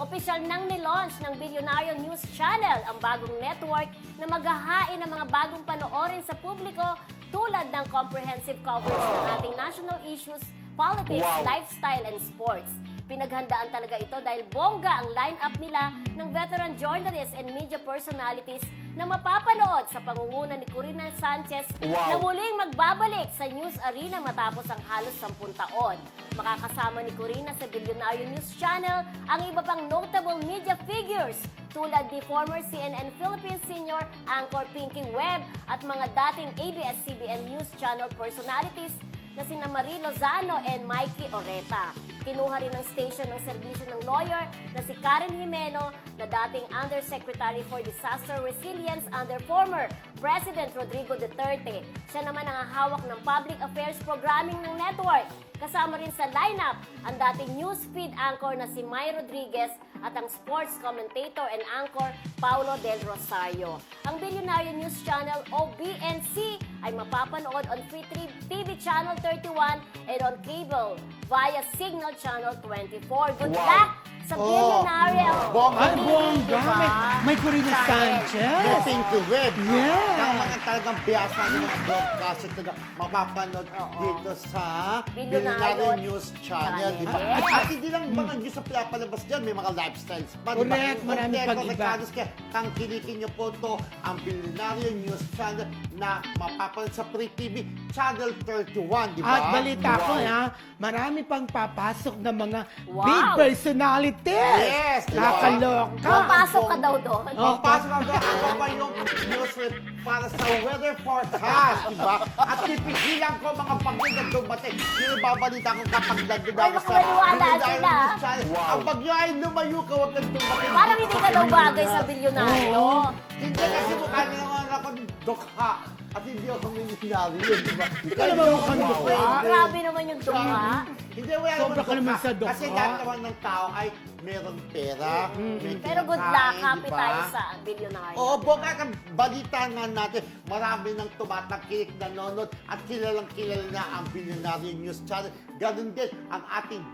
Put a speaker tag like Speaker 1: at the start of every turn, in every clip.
Speaker 1: Opisyal nang nilaunch ng Bilyonaryo News Channel, ang bagong network na maghahain ng mga bagong panoorin sa publiko tulad ng comprehensive coverage ng ating national issues, politics, lifestyle, and sports. Pinaghandaan talaga ito dahil bongga ang line-up nila ng veteran journalists and media personalities na mapapanood sa pangunguna ni Corina Sanchez na muling magbabalik sa news arena matapos ang halos 10 taon. Makakasama ni Corina sa Bilyonaryo News Channel ang iba pang notable media figures tulad ni former CNN Philippines senior anchor Pinky Webb at mga dating ABS-CBN News Channel personalities na sina Marie Lozano and Mikey Oreta. Kinuha rin ng station ng serbisyo ng lawyer na si Karen Jimeno na dating Undersecretary for Disaster Resilience under former President Rodrigo Duterte. Siya naman ang hawak ng public affairs programming ng network. Kasama rin sa lineup ang dating newsfeed anchor na si May Rodriguez at ang sports commentator and anchor Paulo Del Rosario. Ang Bilyonaryo News Channel o BNC ay mapapanood on Free TV Channel 31 and on cable via Signal Channel 24. Good luck sa Bilyonaryo!
Speaker 2: Ay,
Speaker 1: Hindi,
Speaker 2: bongga!
Speaker 1: diba?
Speaker 2: May Corina Sanchez!
Speaker 3: The Pinky Webb.
Speaker 2: Yeah.
Speaker 3: Ang mga talagang biyasa ng mga broadcaster na mapapanood dito sa Bilyonaryo News Channel. Diba?
Speaker 1: Yes.
Speaker 3: At hindi lang mga news na pinapalabas dyan, may mga lifestyles pa.
Speaker 2: Correct, maraming pag-iba.
Speaker 3: Kaya tangkilikin niyo po ito ang Bilyonaryo News Channel na mapapanood sa Free TV Channel 31. Diba?
Speaker 2: At balita ko marami pang papasok na mga
Speaker 1: Wow.
Speaker 2: big personalities!
Speaker 3: Yes, diba?
Speaker 2: Nakaloka!
Speaker 1: Papasok ka daw doon.
Speaker 3: Papasok ka doon. Ako pa yung news rep para sa weather forecast, diba? At pipigilan ko mga bagyo na dumating. Yung babalita ko kapag nandun
Speaker 1: Ay,
Speaker 3: ako sa
Speaker 1: makawala
Speaker 3: Bilyonaryo
Speaker 1: sila.
Speaker 3: News Channel. Ang bagyo ay lumayo ka, huwag kang dumating.
Speaker 1: Parang hindi ka daw bagay sa Bilyonaryo.
Speaker 3: Hindi kasi mukha niya naman ako dukha. At hindi ako milyonaryo, diba?
Speaker 2: Hindi ka naman mukhang dukha.
Speaker 1: Grabe naman yung dukha.
Speaker 3: Hindi, wala
Speaker 2: Sobra
Speaker 3: naman
Speaker 2: ka naman sa dukha.
Speaker 3: Kasi lahat naman ng tao ay meron pera, may
Speaker 1: Pero good luck,
Speaker 3: kinakain,
Speaker 1: happy
Speaker 3: diba?
Speaker 1: tayo sa Bilyonaryo.
Speaker 3: Oo, bongga ka. Balita nga natin, marami nang tumatangkilik nanonood at kilalang kilala na ang Bilyonaryo News Channel. Ganun din ang ating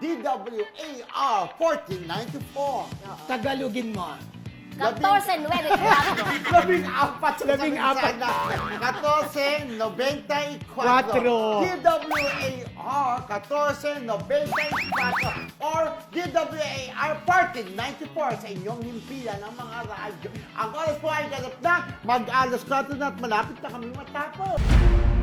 Speaker 3: DWAR 1494.
Speaker 2: Tagalogin mo.
Speaker 1: 14.94.
Speaker 3: Labing-apat sa
Speaker 2: 14.
Speaker 3: 14.94 DWAR 14.94 or DWAR 14.94 sa inyong himpilan ng mga radyo. Ang oras po ay ganap na mag-alas 4 na at malapit na kami matapos.